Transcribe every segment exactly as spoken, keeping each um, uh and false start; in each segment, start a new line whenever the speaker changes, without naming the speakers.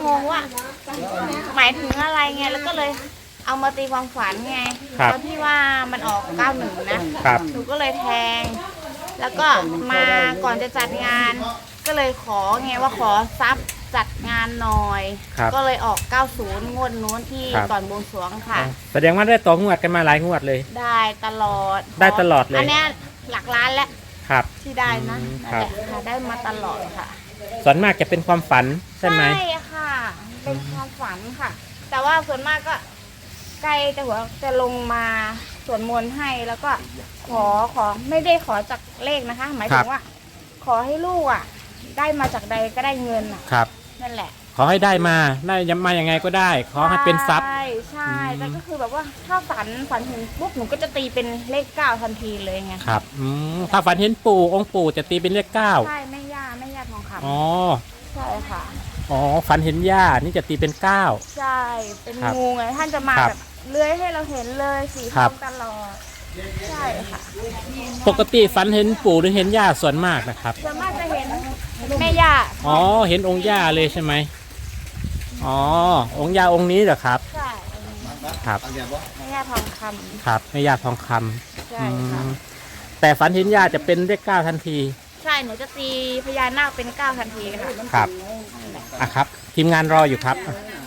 งงว่าหมายถึงอะไรไงแล้วก็เลยเอามาตีความฝันไงตอนที่ว่ามันออกเก้าหนึ่งนะหนูก็เลยแทงแล้วก็มาก่อนจะจัดงานก็เลยขอไงว่าขอซับจัดงานหน่อยก็เลยออกเก้าสิบงวดนู้นที่ก่อนบวงสรวงค่ะ
แสดงว่าได้ต่องวดกันมาหลายงวดเลย
ได้ตลอด
ได้ตลอดเลย
อันนี้หลักล้านแล้ว
ครับ
ที่ได้นะแต่ค่ะได้มาตลอดค่ะ
ส่วนมากจะเป็นความฝันใช่ไหม
ใช่ค่ะเป็นความฝันค่ะแต่ว่าส่วนมากก็ใกล้จะหัวจะลงมาสวดมนต์ให้แล้วก็ขอขอไม่ได้ขอจากเลขนะคะหมายถึงว่าขอให้ลูกอ่ะได้มาจากใดก็ได้เงินอ่ะ
ครับ
นั่นแหละ
ขอให้ได้มาได้มายังไงก็ได้ขอให้เป็นทรัพย์
ใช่ใช่แต่ก็คือแบบว่าถ้าฝันฝันถึงปุ๊บหนูก็จะตีเป็นเลขเก้าทันทีเลยไง
ครับอืมถ้าฝันเห็นปู่องค์ปู่จะตีเป็นเลขเก้า
ใช่แม่ย่าแม่ย่าทองคำ
อ๋อ
ใช่ค่ะ
อ๋อฝันเห็นย่านี่จะตีเป็นเก้า
ใช่เป็นงูไงท่านจะมาแบบเลื้อยให้เราเห็นเลยสีทองตลอดใช่ค่ะ
ปกติฝันเห็นปู่หรือเห็นย่าส่วนมากนะครับ
ส่วนมากจะเห็นแม่ย่า
อ๋อเห็นองค์ย่าเลยใช่ไหมอ๋อองค์ย่าองค์นี้เหรอครับ
ใช่
ครับ
แม่ย่าทองคำ
ครับแม่ย่าทองคำ
ใช่ค่ะ
แต่ฝันเห็นย่าจะเป็นเลขเก้าทันที
ใช่หนูจะตีพญานาคเป็นเก้าทันทีค่ะ
ครับอ่ะครับทีมงานรออยู่ครับ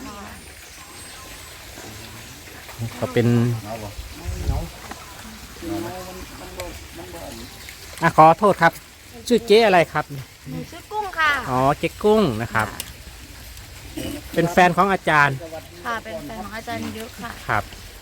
ก็เป็นอ่ะขอโทษครับชื่อเจ๊อะไรครับ
หนูชื่อกุ้งค่ะ
อ๋อเจ๊กุ้งนะครับเป็นแฟนของอาจารย์
ค่ะเป็นแฟนของอาจารย์ยุค่ะ
ครับ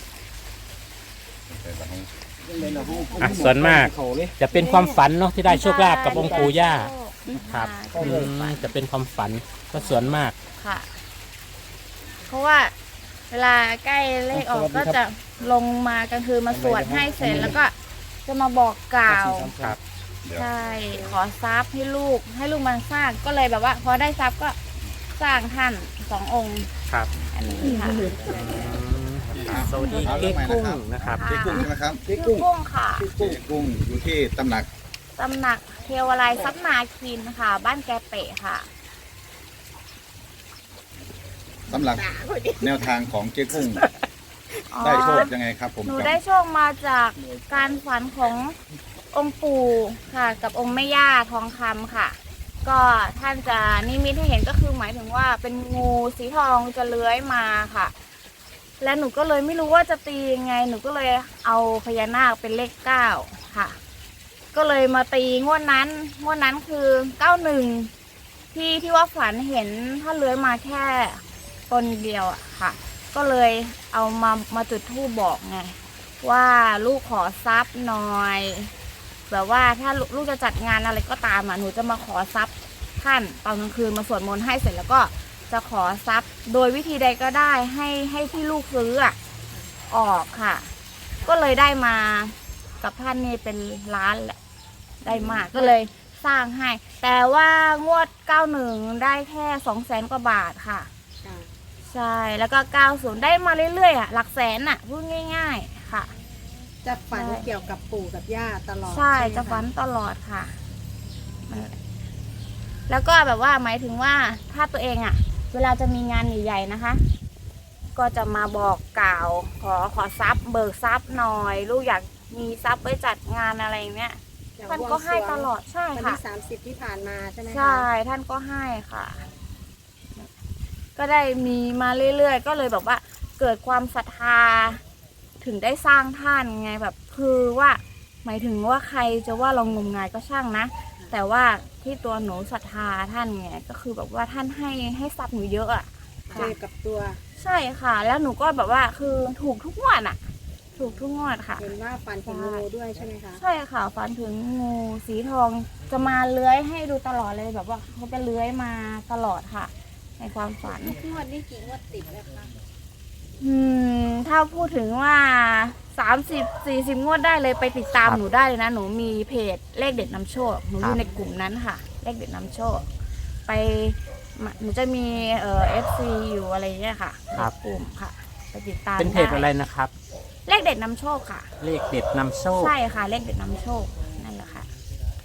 อ่ะส่วนมากจะเป็นความฝันเนาะที่ได้โชคลาภกับองค์ปู่ย่าครับจะเป็นความฝันก็ส่วนมาก
ค่ะเพราะว่าเวลาใกล้เลขออกก็จะลงมากลางคืนมาสวดให้เสร็จแล้วก็จะมาบอกกล่าว
ครับ
ใช่ขอทรัพย์ให้ลูกให้ลูกมันสร้างก็เลยแบบว่าพอได้ทรัพย์ก็สร้างท่านสององค์
ครับ
อันนี้ค่ะ
สวัสดีเจ๊กุ้งนะครับ
เจ๊กุ้งใช่ไหมครับ
เจ๊กุ้งค่ะ
เจ๊กุ้งอยู่ที่ตำหนัก
ตำหนักเทวาลัยทรัพย์นาคินค่ะบ้านแกเปะค่ะ
สำหรับแนวทางของเจ๊กุ้งได้โชคยังไงครับผม
หนูได้โชคมาจากการฝันขององค์ปู่ค่ะกับองค์แม่ย่าทองคำค่ะก็ท่านจะนิมิตให้เห็นก็คือหมายถึงว่าเป็นงูสีทองจะเลื้อยมาค่ะและหนูก็เลยไม่รู้ว่าจะตียังไงหนูก็เลยเอาพญานาคเป็นเลขเก้าค่ะก็เลยมาตีงวดนั้นงวดนั้นคือเก้าหนึ่งที่ที่ว่าฝันเห็นถ้าเลื้อยมาแค่ตนเดียวอะค่ะก็เลยเอามามาจุดธูปบอกไงว่าลูกขอทรัพย์หน่อยแบบว่าถ้าลูกจะจัดงานอะไรก็ตามอ่ะหนูจะมาขอทรัพย์ท่านตอนกลางคืนมาสวดมนต์ให้เสร็จแล้วก็จะขอทรัพย์โดยวิธีใดก็ได้ให้ให้ที่ลูกซื้ออ่ะออกค่ะก็เลยได้มากับท่านนี่เป็นล้านแหละได้มากก็เลยสร้างให้แต่ว่างวดเก้าหนึ่งได้แค่สองแสนกว่าบาทค่ะใช่แล้วก็เก้าศูนย์ได้มาเรื่อยๆอ่ะหลักแสนอ่ะพูดง่ายๆค่ะ
จะฝันเกี่ยวกับปู่กับย่าตลอด
ใช่จะฝันตลอดค่ะแล้วก็แบบว่าหมายถึงว่าถ้าตัวเองอ่ะเวลาจะมีงานใหญ่ๆนะคะก็จะมาบอกกล่าวขอขอทรัพย์เบิกทรัพย์หน่อยลูกอยากมีทรัพย์ไว้จัดงานอะไรอย่างเงี้ยท่านก็ให้ตลอดใช่ค่ะ
วันที่สามสิบที่ผ่านมาใช่ไหม
ใช่ท่านก็ให้ค่ะก็ได้มีมาเรื่อยๆก็เลยแบบว่าเกิดความศรัทธาถึงได้สร้างท่านไงแบบคือว่าหมายถึงว่าใครจะว่าเรางมงายก็ช่างนะแต่ว่าที่ตัวหนูศรัทธาท่านไงก็คือแบบว่าท่านให้ให้ทรัพย์หนูเยอะอ่ะ
เจอกับตัว
ใช่ค่ะแล้วหนูก็แบบว่าคือถูกทุกงวดอ่ะถูกทุกงวดค่ะ
เห็นว่าฝันถึงงูด้วยใช่ไหมคะ
ใช่ค่ะฝันถึงงูสีทองจะมาเลื้อยให้ดูตลอดเลยแบบว่าเขาจะเลื้อยมาตลอดค่ะในความฝัน
งวดนี้กี่งวดติดแล้วคะ
อืมถ้าพูดถึงว่าสามสิบสี่สิบงวดได้เลยไปติดตามหนูได้เลยนะหนูมีเพจเลขเด็ดนำโชคหนูอยู่ในกลุ่มนั้นค่ะเลขเด็ดนำโชคไปหนูจะมีเอ่อเอฟซีอยู่อะไรเงี้ยค่ะ
ครับ
กลุ่มค่ะไปติดตาม
เป็นเพจอะไรนะครับ
เลขเด็ดนำโชคค่ะ
เลขเด็ดนำโชค
ใช่ค่ะเลขเด็ดนำโชคนั่นแหละค่ะ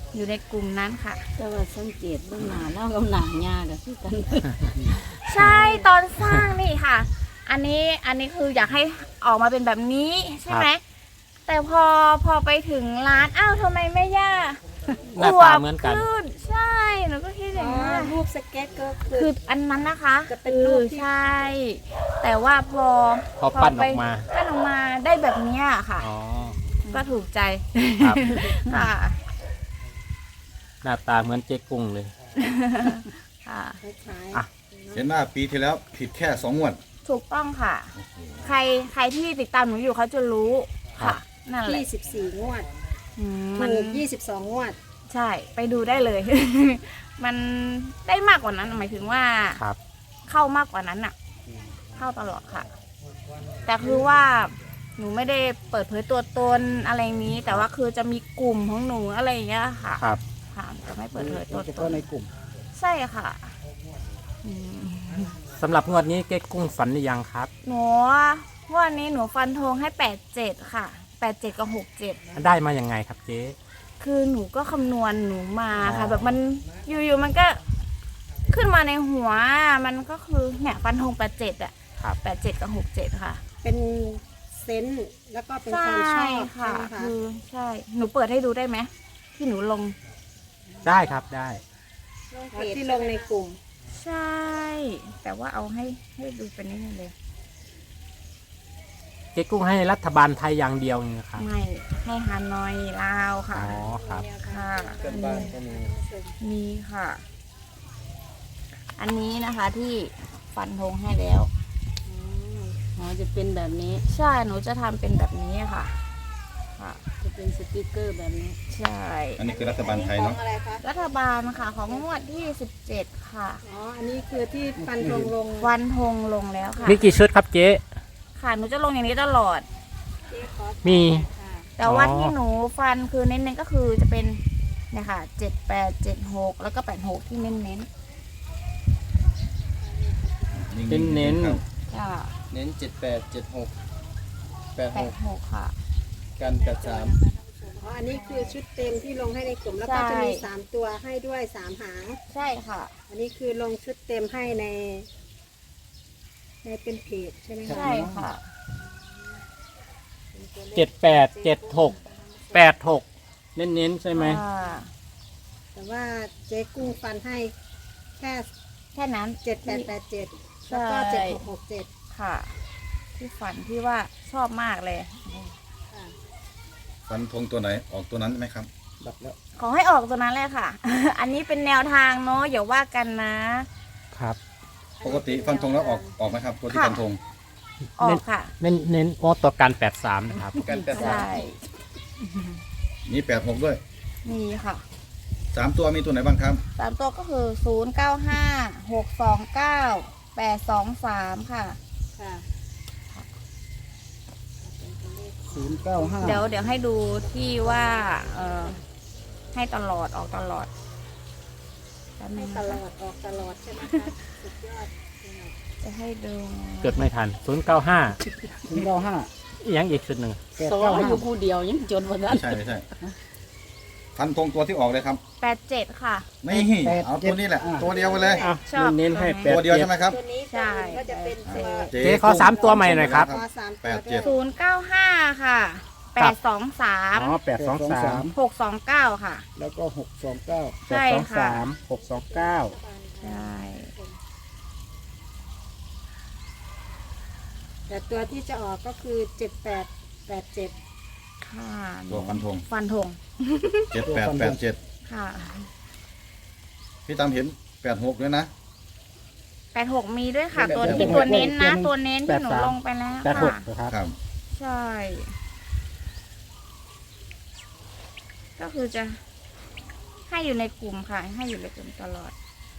อยู่ในกลุ่มนั้นค่ะ
แต่ว่าสังเกตเบื้องหน้าแล้วกับหนังยากับที่กัน
ใช่ตอนสร้างนี่ค่ะ อันนี้อันนี้คืออยากให้ออกมาเป็นแบบนี้ใช่ไหมแต่พอพอไปถึงร้านอ้าวทำไมแม่ย่า
หน้าตาเหมือนกัน
ขึ้นใช่หนูก็คิดอย่างนี้น
รูปสเก็ตก็คื
คือ ออันนั้นนะคะ
จะเป็นรูปที่
ใช่ แต่ว่าพอ
พอปั้นออกมา
ไปปั้นออกมาได้แบบเนี้ยค่ะ
อ๋อ
ก็ถูกใจ
ครับ
ค่ะ
หน้าตาเหมือนเจ๊กุ้งเลย
ค่ะ
คล้าย
อ่ะ
เห็นว่าปีที่แล้วผิดแค่สองงวด
ถูกต้องค่ะ ใครใครที่ติดตามหนูอยู่เขาจะรู้
ครั
ค่ะ
บ
นั่นแหละ
ยี่สิบสี่งวด
อืมมัน
ถูกยี่สิบสองงวด
ใช่ไปดูได้เลย มันได้มากกว่านั้นหมายถึงว่า
ครับ
เข้ามากกว่านั้นอ่ะ เข้าตลอดค่ะ แต่คือว่าหนูไม่ได้เปิดเผยตัวตนอะไรนี้ แต่ว่าคือจะมีกลุ่มของหนูอะไรอย่างเงี้ยค่ะ
ครับ
ค่ะจะไม่เปิดเผยตัว
เฉ
ต
พาะ
น
ในกลุ่ม
ใช่ค่ะอืม
สำหรับงวดนี้เจ๊กุ้งฝันหรือยังครับ
หนูวันนี้หนูฟันธงให้แปดเจ็ดค่ะแปดเจ็ดกับหกเจ็ด
ได้มายังไงครับเจ๊
คือหนูก็คำนวณหนูมาค่ะ
อ๋อ
แบบมันอยู่ๆมันก็ขึ้นมาในหัว มันก็คือเนี่ยฟันธงแปดเจ็ดอะ
ครับ
แปดเจ็ดกับหกเจ็ดค่ะ
เป็นเซนส์แล้วก็เป็นความช
ใช่
อบ
ค่ะ
ใช่ไหมคะ
คือใช่ หนูเปิดให้ดูได้ไหมที่หนูลง
ได้ครับได้
ที่ลงในกลุ่ม
ใช่ แต่ว่าเอาให้ให้ดูเป็นนี่เลย
เจ๊กุ้งให้รัฐบาลไทยอย่างเดียวนี่นะครับ
ไม่ให้ฮานอยลาวค่ะ
อ๋อครับ
ค่ะ
เกินบ้านก็มี
มีค่ะ อันนี้นะคะที่ฟันธงให้แล้ว
อ๋อจะเป็นแบบนี้
ใช่ หนูจะทำเป็นแบบนี้ค่ะ ค่ะ
จะเป็นสติกเกอร์แบบนี้
ใช่
อันนี้คือรัฐบาลไทย
ขอ
เนาะ
งอะไรคะ
รัฐบาลค่ะ ของงวดที่สิบเจ็ดค่ะ
อ๋อ อันนี้คือที่ฟันธงลง
วันธงลงแล้วค่ะ
มีกี่ชุดครับเจ๊
ค่ะ หนูจะลงอย่างนี้ตลอด
มี
แต่ว่า
อ๋อ
ที่หนูฟันคือเน้นๆก็คือจะเป็นเนี่ยค่ะเจ็ดแปดเจ็ดหกแล้วก็แปดหกที่เน้น
เน้น
ครับ
ๆค่ะ
เน้นเจ็ดแปดเจ็ดหกแปด
แป
ห
ด
ก
หกค่ะ
กันแปดสาม
อ๋อ อันนี้คือชุดเต็มที่ลงให้ในกลุ่ม แล้วก็
ใช่
จะมีสามตัวให้ด้วยสามหาง
ใช่ค่ะ
อันนี้คือลงชุดเต็มให้ใน ในเป็นเพจใช่ไหมคะ
ใช่ค่ะ
เจ็ดแปดเจ็ดหกแปดหกเน้นๆใช่ไหม
อ่า
แต่ว่าเจ๊กุ้งฟันให้แค่
แค่นั้น
เจ็ดแปดแปดเจ็ด
ใช่
แล้วก็เจ็ดหกหกเจ็ด
ค่ะ ที่ฝันที่ว่าชอบมากเลย
ฟันธงตัวไหนออกตัวนั้นไหมครับ
ดับแล้ว
ขอให้ออกตัวนั้นเลยค่ะ อันนี้เป็นแนวทางเนาะอย่าว่ากันนะ
ครับ
ปกติฟันธงแล้วออกออกไหมครับ ตัวที่
ค่ะ
ฟันธง
ออกค่ะ
เน้นเน้นโอ้ตัวกันแปดสามนะครับ
กันแปดสาม
ใช่
มีแปดหกด้วย
มีค่ะ
สามตัวมีตัวไหนบ้างครับ
สามตัวก็คือศูนย์เก้าห้าหกสองเก้าแปดสองสามค่ะ
ค่ะ
ศูนย์เก้าห้า
เดี๋ยวเดี๋ยวให้ดูที่ว่าเอ่อให้ตลอดออกตลอดแป๊บนึ
ให้
ง
ต
นะคะ
ลอดออกตลอดใช่ไหมคะ สุดยอด
จะให้ดู
เกิดไม่ทันศูนย์เก้าห้า
ศูนย์เก้าห้า
ยังอีกชุดหนึ่ง
แปด
สว
เก้า
อ
ห้า
ยู่ผู้เดียวยังจนวันนั้น
ไม่ใช่ไม่ใช่ ฟันธงตัวที่ออกเลยครับ
แปดเจ็ดค่ะ
นี่เอาตัวนี้แหละ ตัวเดียวไปเลย
อ่ะ
ชอบ
เน้นๆให้แปด
ตัวเดียว
เจ็ด
ใช่ไหมครับ
ตัวนี้
ใช่
ก็จะเป็นตัว
เจ๊ขอสามตัวใหม่หน่อยครับ
ตัวสามตัว
แปดเจ็ด
ศูนย์เก้าห้าค่ะแปดสองสาม
อ๋อแปดสองสาม
หกสองเก้าค่ะ
แล้วก็หกสองเก้า
ใช่
แปดสอง
ค่ะ
สามหกสองเก้า
ใช่
แต่ตัวที่จะออกก็คือเจ็ดแปดแปดเจ็ด
ค่ะ
ตัวฟันธง
ฟันธง
เจ็ดแปดแปดเจ็ด
ค่ะ
พี่ตามเห็นแปดหกด้วยนะ
แปดหกมีด้วยค่ะ ตัวที่ตัวเน้นนะ ตัวเน้นที่หนูลงไปแล้ว
แปดหก
ค่ะ
นะครับ
ครับ
ใช่ ก็คือจะให้อยู่ในกลุ่มค่ะ ให้อยู่ในกลุ่มตลอด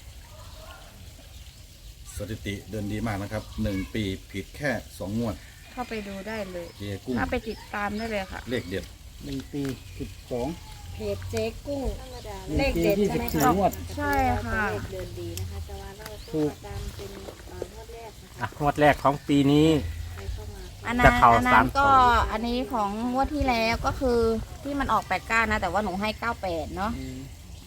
สถิติเดินดีมากนะครับหนึ่งปีผิดแค่สองงวด
เข้าไปดูได้เลย
เจกุ้ง
เข้าไปติดตามได้เลยค่ะ
เลขเด็ด
หนึ่งปีสิบสอง
เพจเจ๊กุ้ง
หนึ่
เล
ง
ข
ปี
เด็ด
ยี่
ใช่
สิบ
ไหม
สี่
คะ
งวด
ใช่ค่ะ
เลขเดินดีนะคะแต่ว่าเรา
ถูก
ตามเป็นเอ่องวดแรกนะคะ
อ่ะงวดแรกของปีนี้
ใครเข้ามา
อันนั้
จะ
น
เข้า
อันนั้
สาน ม
ก็อันนี้ของงวดที่แล้วก็คือที่มันออกแปดเก้านะ แต่ว่าหนูให้เก้าแปดเนาะ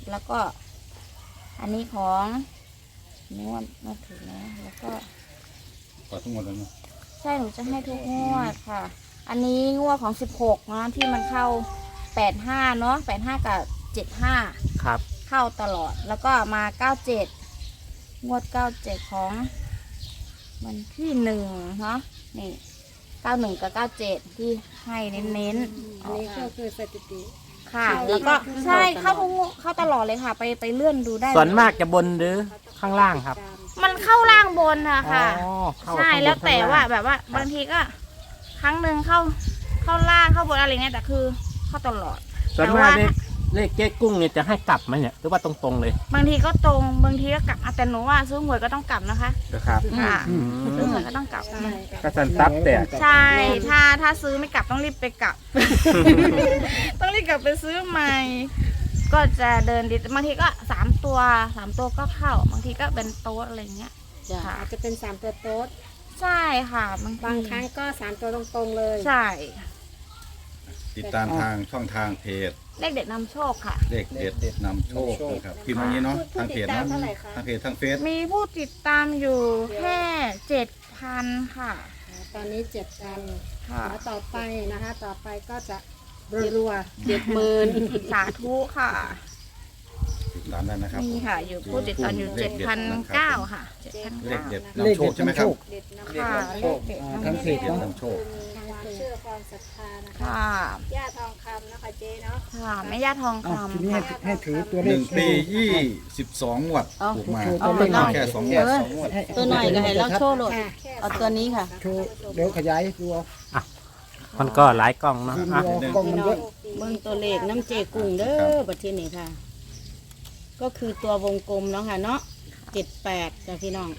แล้วก็ อันนี้ของนี่ว่ามาถึงแล้วแล้วก็
ขอทั้งหมดแล้วเนาะ
ใช่หนูจะให้ทุกงวดค่ะ อันนี้งวดของสิบหกนะที่มันเข้าแปดห้าเนาะแปดห้ากับเจ็ดห้า
ครับ
เข้าตลอดแล้วก็มาเก้าเจ็ดงวดเก้าเจ็ดของมันที่หนึ่งเนาะนี่เก้าหนึ่งกับเก้าเจ็ดที่ให้เน้นๆ
อันนี้ก็คือสถิติ
ค่ะ แล้วก็ใช่เข้าทุกงวดเข้าตลอดเลยค่ะ ไปไปเลื่อนดูได้
ส่วนมากจะบนหรือข้างล่างครับ
มันเข้าล่างบนนะค่ะ
อ๋อเข้า
ใช่
ข้างบน
แล้วแต่
ข้ง
ว่า
ล่ง
แบบว่าบางทีก็ ครั้งหนึ่งเข้าเข้าล่างเข้าบนอะไรเงี้ยแต่คือเข้าตลอด
ส่วน
แต่
มาก
ว่า
เลขเลขเจ๊กุ้งเนี่ยจะให้กลับไหมเนี่ยหรือว่าตรงๆเลย
บางทีก็ตรงบางทีก็กลับอ่ะแต่หนูว่าซื้อหวยก็ต้องกลับนะคะ
นะครับ
ค่ะ
อืม
ซื้อหวยก็ต้องกลับ
ใช่
กระสันตับแต่
ใช่ ถ้าถ้าซื้อไม่กลับต้องรีบไปกลับ ต้องรีบกลับไปซื้อใหม่ ก็จะเดินดีบางทีก็สามตัวสามตัวก็เข้า บางทีก็เป็นโต๊ะอะไรเงี้ย
จ้ะ
ค่ะ
อาจจะเป็นสามตัวโต๊ด
ใช่ค่ะบางที
บางครั้งก็สามตัวตรงๆเลย
ใช่
ติดตามทางช่องทางเพจ
เลขเด็ดนำโชคค่ะ
เลขเด็ดนำโชคนะครับพิมพ์อย่างนี้เนาะทางเพจ
ผู้ติดตาม
เนาะ
เท่าไหร่คะ
ทางเพจทางเฟซ
มีผู้ติดตามอยู่แค่เจ็ดพันค่ะ
ตอนนี้เจ็ดกัน
ค่ะ
แล้วต่อไปนะคะ ต่อไปก็จะรัว
เจ็ดหมื่น
สาธุค่ะ
ติดตามได้นะครับ
นี่ค่ะ อยู่ผู้ติดตามอยู่เจ็ดพันเก้าค่ะเจ็ดพัน
เลข
เก้า
เด็ด
เลข
นำโช
เด็
ค
ด
ใช่ไหม
นำ
ค
โช
รับ
ค
ค่ะเลขเด็ด
อ่า
นำ
ทาง
โช
เพจ
ค
เด็ด
เนาะ
นำโชค
ๆความเชื่อความศรัทธานะคะ
ค่ะ
ย่าทองคำนะคะเจ๊เนาะ
ค่ะแม่ย่าทอง
อ้าว
คำ
ทีนี้ให้
ค่ะ
ให้ถือตัว
ห
เล
นึ่
ข
งปียี่สิบสองงวดถูกมา
เอาตัวหน่อย
แค่สองง
เอ
วด
อตัวหน่อยก็ให้เราโชว์โหลด
ค่ะ
เอาตัวนี้ค่ะ
โชว์เดี๋ยวขยายดูเอา
มันก็หลายกล้องเนาะ
ทีม
อ่ะ
ดูเอากล้องมันเยอะ
เบิ่งตัวเลขน้ำเจกุ้งเด้อบัดทีนี้ค่ะ ก็คือตัววงกลมเนาะค่ะเนาะเจ็ดแปดจ้ะพี่น้อง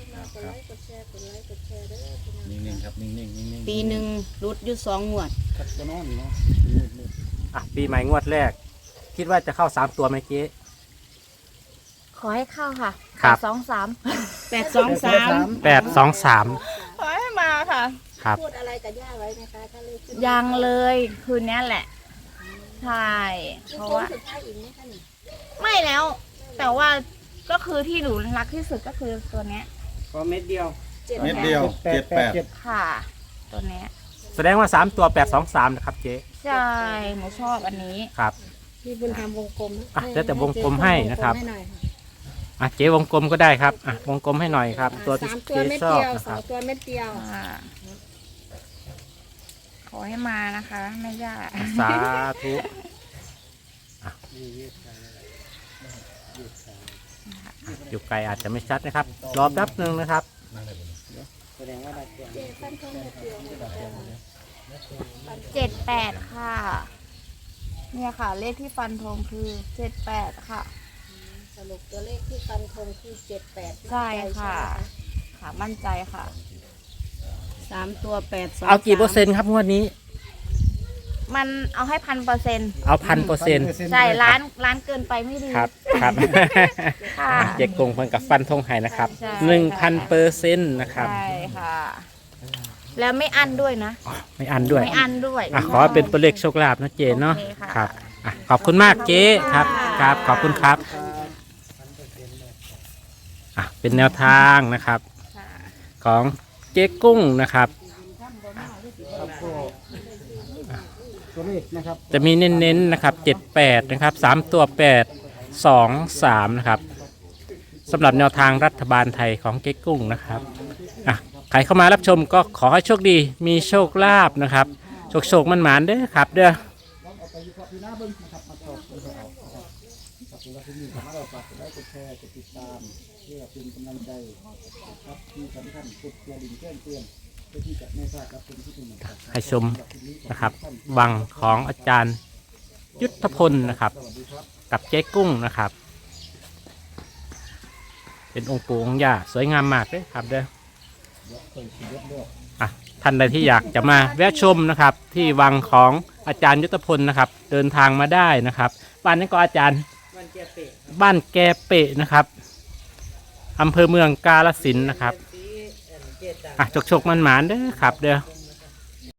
นิ่งๆครับนิ่งๆนิ่งๆ
ปีหนึ่งรุดอยู่สองงวด
ครับจะนอนอยู่เนาะ
อ่ะปีใหม่งวดแรก คิดว่าจะเข้าสามตัวไหมเจ๊
ขอให้เข้าค่ะ
ครับ
สองสาม
แปดสองสาม
แปดสองสาม
ขอให้มาค่ะ
ครับ
พูดอะไรกับย่าไว้ไหมคะถ้าเลขขึ้น
ยังเลยคืนนี้แหละ ใช่ เพราะว่า
สุดท้ายอีกไหมคะนี่
ไม่แล้ว แต่ว่าก็คือที่หนูรักที่สุดก็คือตัวเนี้ย
ก็เม็ดเดียว
เจ็ด
เม็ดเดียวเจ็ดแปด
ค่ะ ตัวเนี้ย
แสดงว่าสามตัวแปดสองสามนะครับเจ๊
ใช่หนูชอบอันนี้
ครับ
พี่บุญธรรมวงกลม
อ่ะแล้วแต่วงกลมให้นะครับ
วงกลมให้หน่อยค่ะ
อ่ะเจ๊วงกลมก็ได้ครับอ่ะวงกลมให้หน่อยครับ ตัวที่
สามตัว
เจ๊
เม็ด
ชอบ
เดียว
นะ
ส
ค
อ
รั
ง
บ
ตัวเม็ดเดียว
อ่าขอให้มานะคะแม่ย่า
สาธุอ่ะอยู่ไกลอาจจะไม่ชัดนะครับ รอแป๊บหนึ่งนะครับ
แสดงว่าได้ตัว
เจ็ดแปดค่ะ เนี่ยค่ะ เลขที่ฟันธงคือเจ็ดแปดค่ะ
สรุปตัวเลขที่ฟันธงคือเจ็ดแปด
ใช่ค่ะ ค่ะมั่นใจค่ะ
สามตัวแปดสอง
เอากี่เปอร์เซ็นต์ครับงวดนี้
มันเอาให้พันเปอร์เซ็นต์
เอาพันเปอร์เซ็นต์
ใช่ร้านร้านเกินไปไม่ดี
ครับครับ
ค่ะ
เจ๊กงเพิ่นกับฟันธงไห้นะครับ
ใช่
หนึ่งพันเปอร์เซ็นต์นะครับ
ใช่ค่ะ แล้วไม่อั้นด้วยนะ
ไม่อันด้วย
ไม่อั้นด้วย
อ่ะขอเป็นตัวเลขโชคลาภนะเจเนาะ
โอเคค่ะ
ครับอ่ะขอบคุณมากเจ๊ครับครับขอบคุณครับอ่ะเป็นแนวทางนะครับ
ค่ะ
ของเจ๊กุ้งนะครับ
ครับก็ตัวเลขนะครับ
จะมีเน้นๆนะครับเจ็ดแปดนะครับสามตัวแปดสองสามนะครับสำหรับแนวทางรัฐบาลไทยของเจ๊กุ้งนะครับอ่ะใครเข้ามารับชมก็ขอให้โชคดีมีโชคลาภนะครับโชคโชคมันหมานๆเด้อครับเด้อ
เอาไปวิเคราะห์พี่น้าเบิ้งนะครับมาตอบกันเอานะครับกับตัวที่นี่สามารถเราฝากกดไลค์กดแชร์กดติดตามเพื่อเป็นกำลังใจนะครับที่สำคัญกดกระดิ่งแจ้งเตือนเพื่อที่จะไม่พลาดรับชมที่เป็นหนึ่งครับ
ให้ชมนะครับวังของอาจารย์ยุทธพลนะครับ กับเจ๊กุ้งนะครับ เป็นองค์ปู่องค์ย่าสวยงามมากเลยครับเด้ออ่ะท่านใดที่อยากจะมาแวะชมนะครับ ที่วังของอาจารย์ยุทธพลนะครับ เดินทางมาได้นะครับ บ้านนั้นก็อาจารย์บ้านแกเปะนะครับอำเภอเมืองกาฬสินธุ์นะครับอ่ะโชคๆมันหมานๆเด้อครับเด้อ